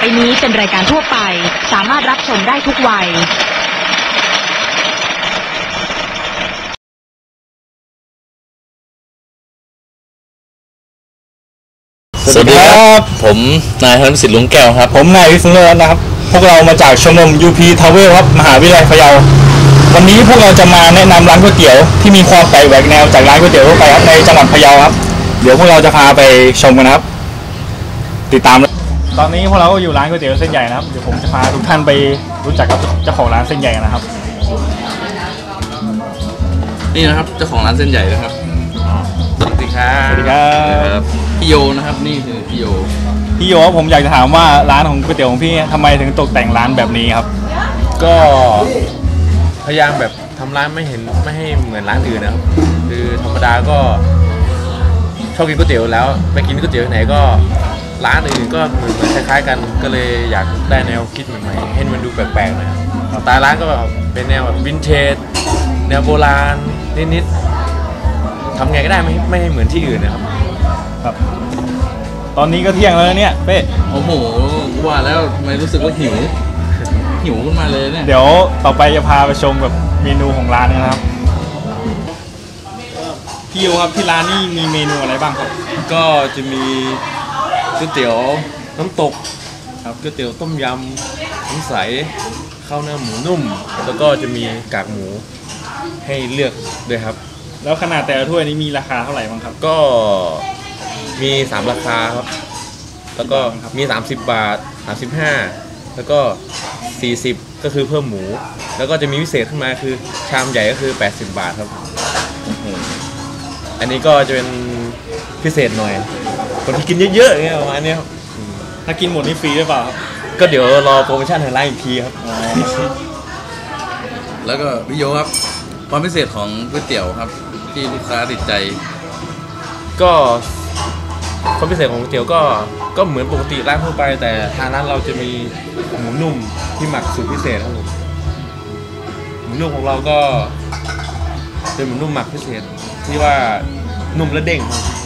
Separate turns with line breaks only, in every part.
ไปนี้เป็นรายการทั่วไปสามารถรับชมได้ทุกวัย
สวัสดีครับผมนายธนสิทธิ์ลุงแก้วครับ
ผมนายวิศนุรัตน์นะครับพวกเรามาจากชมรม UP Travel ครับมหาวิทยาลัยพะเยาวันนี้พวกเราจะมาแนะนำร้านก๋วยเตี๋ยวที่มีความแปลกแหวกแนวจากร้านก๋วยเตี๋ยวทั่วไปครับในจังหวัดพะเยาครับเดี๋ยวพวกเราจะพาไปชมกันนะครับติดตามตอนนี้พวกเราก็อยู่ร้านก๋วยเตี๋ยวเส้นใหญ่นะครับเดี๋ยวผมจะพาทุกท่านไปรู้จักกับเจ้าของร้านเส้นใหญ่นะครับ
นี่นะครับเจ้าของร้านเส้นใหญ่นะครับสวัสดีครับ
สวัสดีครับ
พี่โยนะครับนี่คือพี่โย
ครับผมอยากจะถามว่าร้านของก๋วยเตี๋ยวของพี่ทำไมถึงตกแต่งร้านแบบนี้ครับ
ก็พยายามแบบทำร้านไม่ให้เหมือนร้านอื่นนะครับคือธรรมดาก็ชอบกินก๋วยเตี๋ยวแล้วไปกินก๋วยเตี๋ยวไหนก็ร้านอื่นก็เหมือนคล้ายๆกันก็เลยอยากได้แนวคิดใหม่ๆให้มันดูแปลกๆหน่อยสไตล์ร้านก็เป็นแนวแบบวินเทจแนวโบราณนิดๆทำไงก็ได้ไม่ให้เหมือนที่อื่นนะครับ
ตอนนี้ก็เที่ยงแล้วเนี่ยเป้
โอ้โหว่าแล้วทำไมรู้สึกว่าหิวขึ้นมาเลยเนี่ย
เดี๋ยวต่อไปจะพาไปชมแบบเมนูของร้านนะครับพี่โยครับที่ร้านนี่มีเมนูอะไรบ้างครับ
ก็จะมีก๋วยเตี๋ยวน้ำตกครับก๋วยเตี๋ยวต้มยำน้ำใสข้าวหน้าหมูนุ่มแล้วก็จะมีกากหมูให้เลือกด้วยครับ
แล้วขนาดแต่ละถ้วยนี้มีราคาเท่าไหร่บ้างครับ
ก็มี3ราคาครับแล้วก็มี30 บาท35แล้วก็40ก็คือเพิ่มหมูแล้วก็จะมีพิเศษขึ้นมาคือชามใหญ่ก็คือ80 บาทครับอันนี้ก็จะเป็นพิเศษหน่อยคนที่กินเยอะๆเงี้ยประมาณนี้ครับ
ถ้ากินหมดนี่ฟรีหรือเปล่าครับ
ก็เดี๋ยวรอโปรโมชั่นทางร้านอีกทีครับ
แล้วก็พี่โยครับความพิเศษของก๋วยเตี๋ยวครับที่ลูกค้าติดใจ
ก็ความพิเศษของก๋วยเตี๋ยวก็เหมือนปกติร้านทั่วไปแต่ทางร้านเราจะมีหมูนุ่มที่หมักสูตรพิเศษครับผมหมูนุ่มของเราก็เป็นหมูนุ่มหมักพิเศษที่ว่านุ่มและเด้ง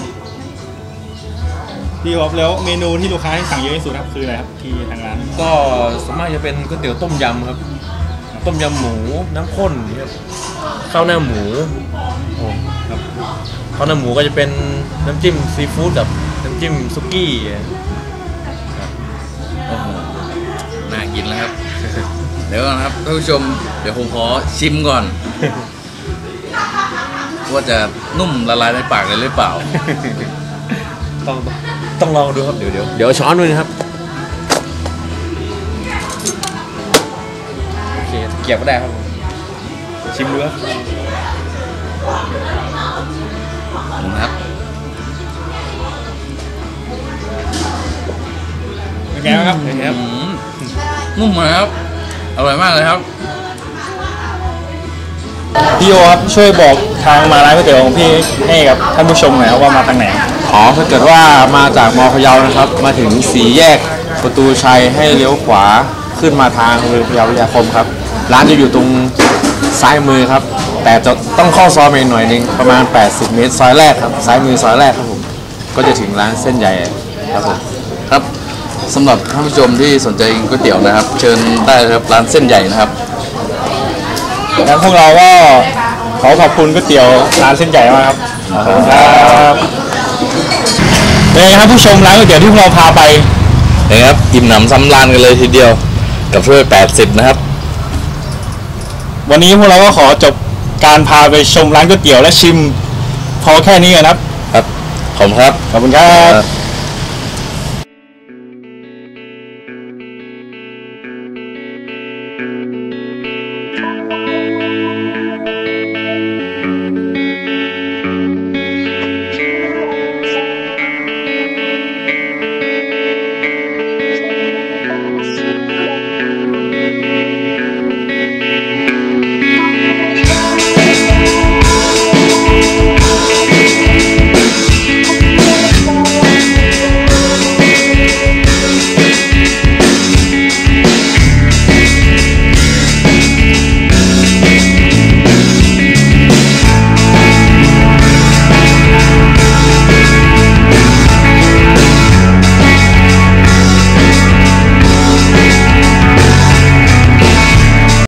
พี่ครับแล้วเมนูที่ลูกค้าที่สั่งเยอะที่สุดครับคืออะไรครับที่ทางร้าน
ก็ส่วนมากจะเป็นก๋วยเตี๋ยวต้มยำครับต้มยำหมูน้ำข้นครับข้าวหน้าหมูครับข้าวหน้าหมูก็จะเป็นน้ำจิ้มซีฟู้ดกับน้ำจิ้มซุกี้
น่ากินแล้วครับ เดี๋ยวนะครับท่านผู้ชมเดี๋ยวผมขอชิมก่อนว่าจะนุ่มละลายในปากเลยหรือเปล่า
ต้องลองดูครับเดี๋ยวช้อนด้วยนะครับโอเคเกี่ยวก็ได้ครับชิมดูครับ
นะครับ
เป็นไงครับ
นุ่มเลยครับอร่อยมากเลยครับ
พี่โยครับช่วยบอกทางมาร้านก๋วยเตี๋ยวของพี่ให้กับท่านผู้ชมหน่อยครับว่ามาทางไหน
ถ้าเกิดว่ามาจากม.พะเยานะครับมาถึง4 แยกประตูชัยให้เลี้ยวขวาขึ้นมาทางโรงเรียนพะเยาวิทยาคมครับร้านจะอยู่ตรงซ้ายมือครับแต่จะต้องเข้าซอยไปหน่อยนึงประมาณ80 เมตรซอยแรกครับซ้ายมือซอยแรกครับผมก็จะถึงร้านเส้นใหญ่ครับผม
ครับสำหรับท่านผู้ชมที่สนใจก๋วยเตี๋ยวนะครับเชิญได้ครับร้านเส้นใหญ่นะครับ
งั้นพวกเราก็ขอบคุณก๋วยเตี๋ยวร้านเส้นใหญ่มากครับครับเป็นไงครับผู้ชมร้านก๋วยเตี๋ยวที่พวกเราพาไป
นะครับอิ่มหนำซ้ำราญกันเลยทีเดียวกับถ้วย80นะครับ
วันนี้พวกเราก็ขอจบการพาไปชมร้านก๋วยเตี๋ยวและชิมพอแค่นี้นะครับ
ขอบคุณครับ
ขอบคุณครับ